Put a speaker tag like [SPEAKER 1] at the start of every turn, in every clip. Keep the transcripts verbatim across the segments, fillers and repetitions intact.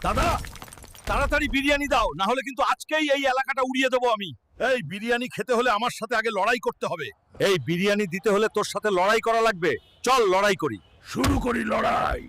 [SPEAKER 1] দাদা তাড়াতাড়ি বিরিয়ানি দাও, না হলে কিন্তু আজকেই এই এলাকাটা উড়িয়ে দেবো আমি। এই বিরিয়ানি খেতে হলে আমার সাথে আগে লড়াই করতে হবে। এই বিরিয়ানি দিতে হলে তোর সাথে লড়াই করা লাগবে। চল লড়াই করি, শুরু করি লড়াই।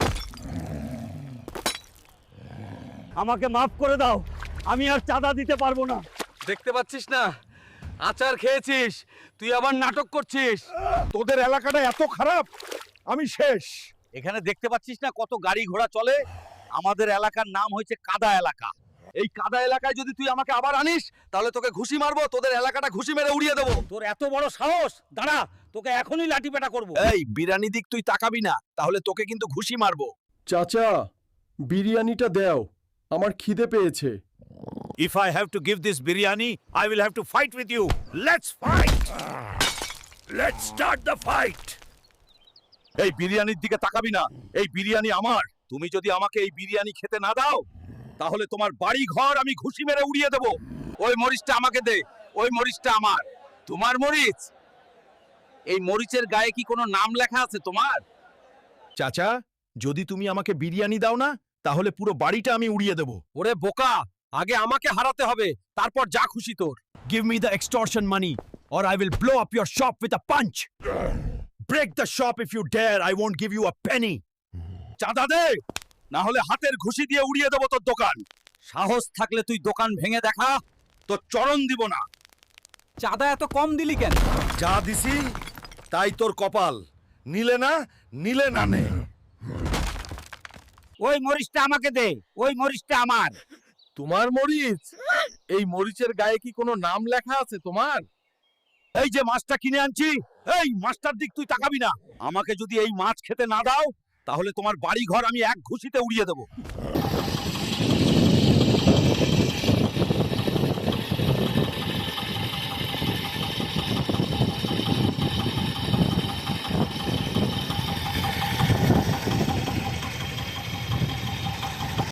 [SPEAKER 2] আমাকে মাফ করে দাও, আমি আর চাঁদা দিতে পারবো না।
[SPEAKER 3] দেখতে পাচ্ছিস না আচার খেয়েছিস, তুই আবার নাটক করছিস।
[SPEAKER 1] তোদের এলাকাটা এত খারাপ, আমি শেষ।
[SPEAKER 2] এখানে দেখতে পাচ্ছিস না কত গাড়ি ঘোড়া চলে? আমাদের এলাকার নাম হয়েছে কাদা এলাকা।
[SPEAKER 3] এই কাদা এলাকায় যদি তুই আমাকে আবার আনিস তাহলে তোকে ঘুষি মারবো, তোদের এলাকাটা ঘুষি মেরে উড়িয়ে দেবো।
[SPEAKER 2] তোর এত বড় সাহস, দাঁড়া তোকে এখনই লাঠি পেটা করবো।
[SPEAKER 1] এই বিরিয়ানি দিক তুই তাকাবি না, তাহলে তোকে কিন্তু ঘুষি মারবো।
[SPEAKER 4] চাচা, বিরিয়ানিটা দাও, আমার খিদে পেয়েছে।
[SPEAKER 1] If I have to give this biryani, I will have to fight with you. Let's fight. Let's start the fight. এই বিরিয়ানির দিকে তাকাবি না, এই বিরিয়ানি আমার। তুমি যদি আমাকে এই বিরিয়ানি খেতে না দাও, তাহলে তোমার বাড়ি ঘর আমি ঘুষি মেরে উড়িয়ে দেব।
[SPEAKER 3] ওই মরিচটা আমাকে দে, ওই মরিচটা আমার। তোমার মরিচ? এই মরিচের গায়ে কি কোনো নাম লেখা আছে তোমার?
[SPEAKER 1] চাচা, যদি তুমি আমাকে বিরিয়ানি দাও না, তাহলে পুরো বাড়িটা আমি উড়িয়ে দেব।
[SPEAKER 3] ওরে বোকা, আগে আমাকে হারাতে হবে, তারপর যা খুশি তোর।
[SPEAKER 1] Give me the extortion money, or I will blow up your shop with a punch. Break the shop if you dare. I won't give you a penny. চাঁদা দে, না হলে হাতের ঘুষি দিয়ে উড়িয়ে দেব তোর দোকান।
[SPEAKER 2] সাহস থাকলে তুই দোকান ভেঙে দেখা,
[SPEAKER 1] তোর চরণ দিব না।
[SPEAKER 3] চাঁদা এত কম দিলি কেন?
[SPEAKER 1] যা দিছি তাই তোর কপাল। নিলে না, নিলে না নে।
[SPEAKER 2] ওই মরিচটা আমাকে দে, ওই মরিচটা আমার।
[SPEAKER 1] তোমার মরিচ? এই মরিচের গায়ে কি কোনো নাম লেখা আছে তোমার? এই যে মাছটা কিনে আনছি, এই মাছটার দিক তুই তাকাবি না। আমাকে যদি এই মাছ খেতে না দাও, তাহলে তোমার বাড়ি ঘর আমি এক ঘুষিতে উড়িয়ে দেব।